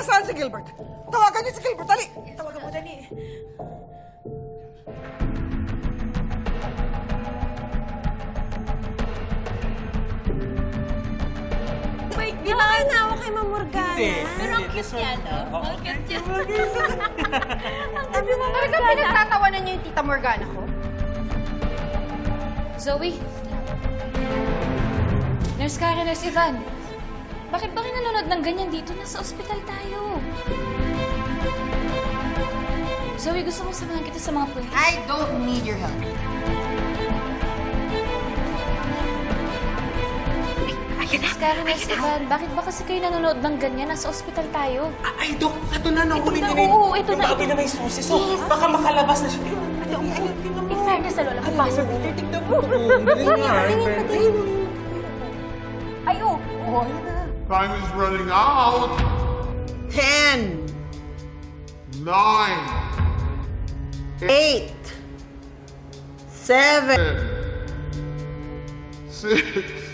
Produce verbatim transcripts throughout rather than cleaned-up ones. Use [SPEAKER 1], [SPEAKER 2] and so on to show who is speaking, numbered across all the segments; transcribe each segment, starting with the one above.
[SPEAKER 1] Nasaan si Gilbert? Tawagan niyo si Gilbert, dali! Tawagan mo, dali.
[SPEAKER 2] Wait, di ba kayo naawa kay Ma'am Morgana?
[SPEAKER 3] Hindi.
[SPEAKER 4] Pero ang cute niya, no? Ang cute niya.
[SPEAKER 2] Ang dami mo
[SPEAKER 5] Talaga pinagtatawanan niyo yung Tita Morgana ko?
[SPEAKER 6] Zoe? Nurse Karen, Nurse Ivan. Bakit ba kayo nanonood ng ganyan dito? Nasa ospital tayo. Zoe, gusto mo samahan kita sa mga pulis?
[SPEAKER 5] I don't need your help.
[SPEAKER 6] Nurse Karen, Nurse Ivan, bakit ba kasi kayo nanonood ng ganyan? Nasa ospital tayo.
[SPEAKER 3] Ay, Dok, ito na, nahuli
[SPEAKER 6] na,
[SPEAKER 3] niya na yung,
[SPEAKER 6] oo, ito
[SPEAKER 3] yung
[SPEAKER 6] na,
[SPEAKER 3] babi
[SPEAKER 6] ito.
[SPEAKER 3] na may susi. So, baka makalabas na siya.
[SPEAKER 6] In fairness sa lola, papasok dito.
[SPEAKER 3] Tignan mo. Tignan nga.
[SPEAKER 6] Ay, oh!
[SPEAKER 7] Time is running out.
[SPEAKER 1] Ten,
[SPEAKER 7] Nine,
[SPEAKER 1] eight, seven,
[SPEAKER 7] six,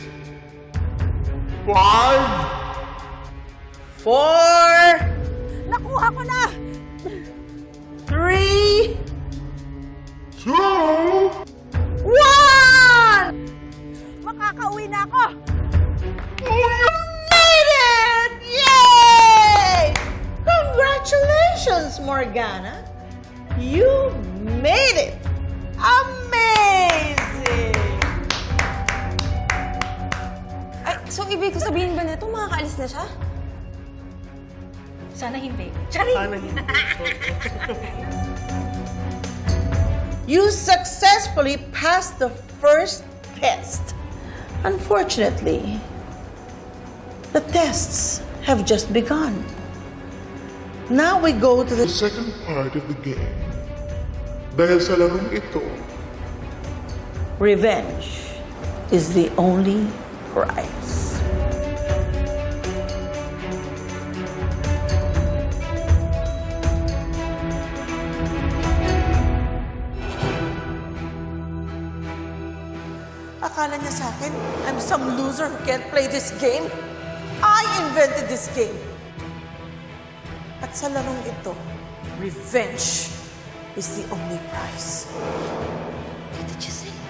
[SPEAKER 7] five,
[SPEAKER 1] four, nakuha ko na! Three,
[SPEAKER 7] two,
[SPEAKER 1] one! Makakauwi na ako! You made it! Yay! Congratulations, Morgana! You made it! Amazing!
[SPEAKER 2] Ay, so ibig ko sabihin ba nito, makakaalis na siya?
[SPEAKER 4] Sana hindi.
[SPEAKER 3] Sana hindi.
[SPEAKER 1] You successfully passed the first test. Unfortunately, the tests have just begun. Now we go to the
[SPEAKER 7] the second part of the game. Dahil sa larong ito,
[SPEAKER 1] revenge is the only prize. Akala niya sa akin, I'm some loser who can't play this game? I invented this game. At sa larong ito, revenge is the only prize.
[SPEAKER 6] Tita Giselle.